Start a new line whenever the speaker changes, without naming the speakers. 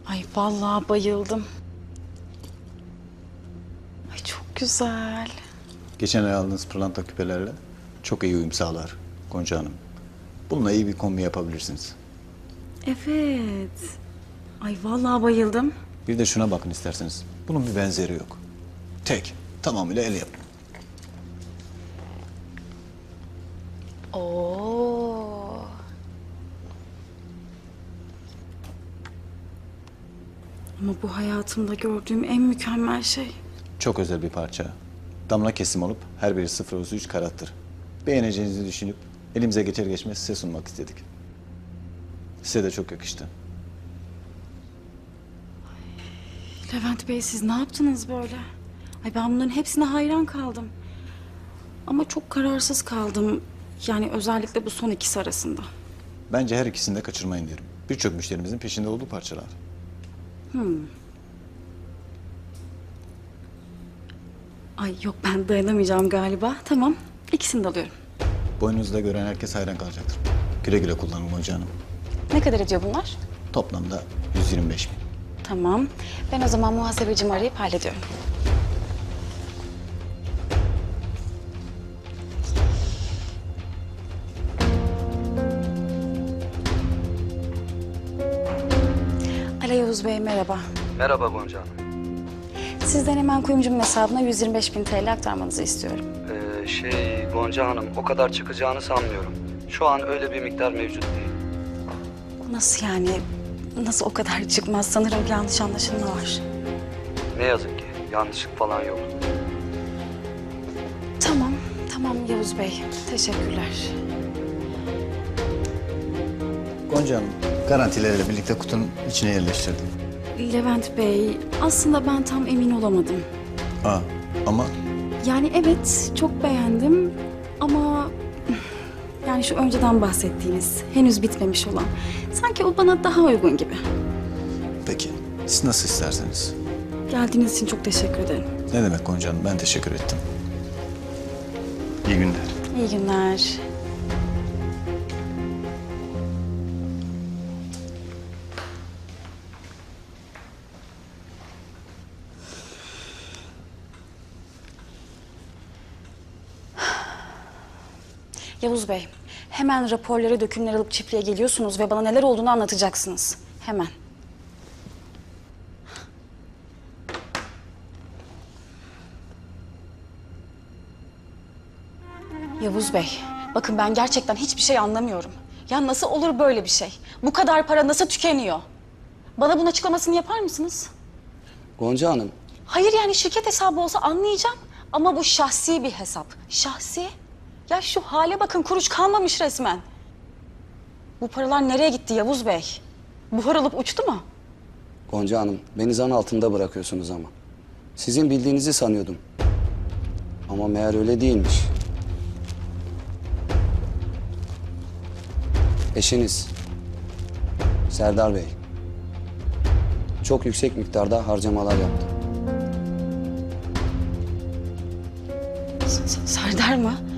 Ay vallahi bayıldım. Ay çok güzel.
Geçen ay aldığınız pırlanta küpelerle çok iyi uyum sağlar Gonca Hanım. Bununla iyi bir kombi yapabilirsiniz.
Evet. Ay vallahi bayıldım.
Bir de şuna bakın isterseniz. Bunun bir benzeri yok. Tek, tamamıyla el yapımı.
Oo. Ama bu hayatımda gördüğüm en mükemmel şey.
Çok özel bir parça. Damla kesim olup her biri 0,3 karattır. Beğeneceğinizi düşünüp elimize geçer geçmez size sunmak istedik. Size de çok yakıştı.
Levent Bey siz ne yaptınız böyle? Ay ben bunların hepsine hayran kaldım. Ama çok kararsız kaldım. Yani özellikle bu son ikisi arasında.
Bence her ikisini de kaçırmayın derim. Birçok müşterimizin peşinde olduğu parçalar.
Ay yok ben dayanamayacağım galiba. Tamam ikisini de alıyorum.
Boynunuzda gören herkes hayran kalacaktır. Güle güle kullanın Gonca Hanım.
Ne kadar ediyor bunlar?
Toplamda 125.000.
Tamam. Ben o zaman muhasebecimi arayıp hallediyorum. Alo Yavuz Bey merhaba.
Merhaba Gonca Hanım.
Sizden hemen kuyumcumun hesabına 125.000 TL aktarmanızı istiyorum.
Gonca Hanım o kadar çıkacağını sanmıyorum. Şu an öyle bir miktar mevcut değil.
Nasıl yani? Nasıl o kadar çıkmaz? Sanırım bir yanlış anlaşılma var.
Ne yazık ki yanlışlık falan yok.
Tamam, tamam Yavuz Bey. Teşekkürler.
Gonca Hanım, garantilerle birlikte kutunun içine yerleştirdim.
Levent Bey, aslında ben tam emin olamadım.
Ama
Yani evet, çok beğendim ama... Yani şu önceden bahsettiğiniz, henüz bitmemiş olan. Sanki o bana daha uygun gibi.
peki, siz nasıl isterseniz.
Geldiğiniz için çok teşekkür ederim.
Ne demek Gonca Hanım, ben teşekkür ettim. İyi günler.
İyi günler. Yavuz Bey, hemen raporları, dökümleri alıp çiftliğe geliyorsunuz ve bana neler olduğunu anlatacaksınız. Hemen. Yavuz Bey, bakın ben gerçekten hiçbir şey anlamıyorum. Ya nasıl olur böyle bir şey? Bu kadar para nasıl tükeniyor? Bana bunun açıklamasını yapar mısınız?
Gonca Hanım,
Hayır yani şirket hesabı olsa anlayacağım. Ama bu şahsi bir hesap. Şahsi? Ya şu hale bakın kuruş kalmamış resmen. Bu paralar nereye gitti Yavuz Bey? Buhar alıp uçtu mu?
Gonca Hanım beni zan altında bırakıyorsunuz ama. Sizin bildiğinizi sanıyordum. Ama meğer öyle değilmiş. Eşiniz Serdar Bey çok yüksek miktarda harcamalar yaptı.
Serdar mı?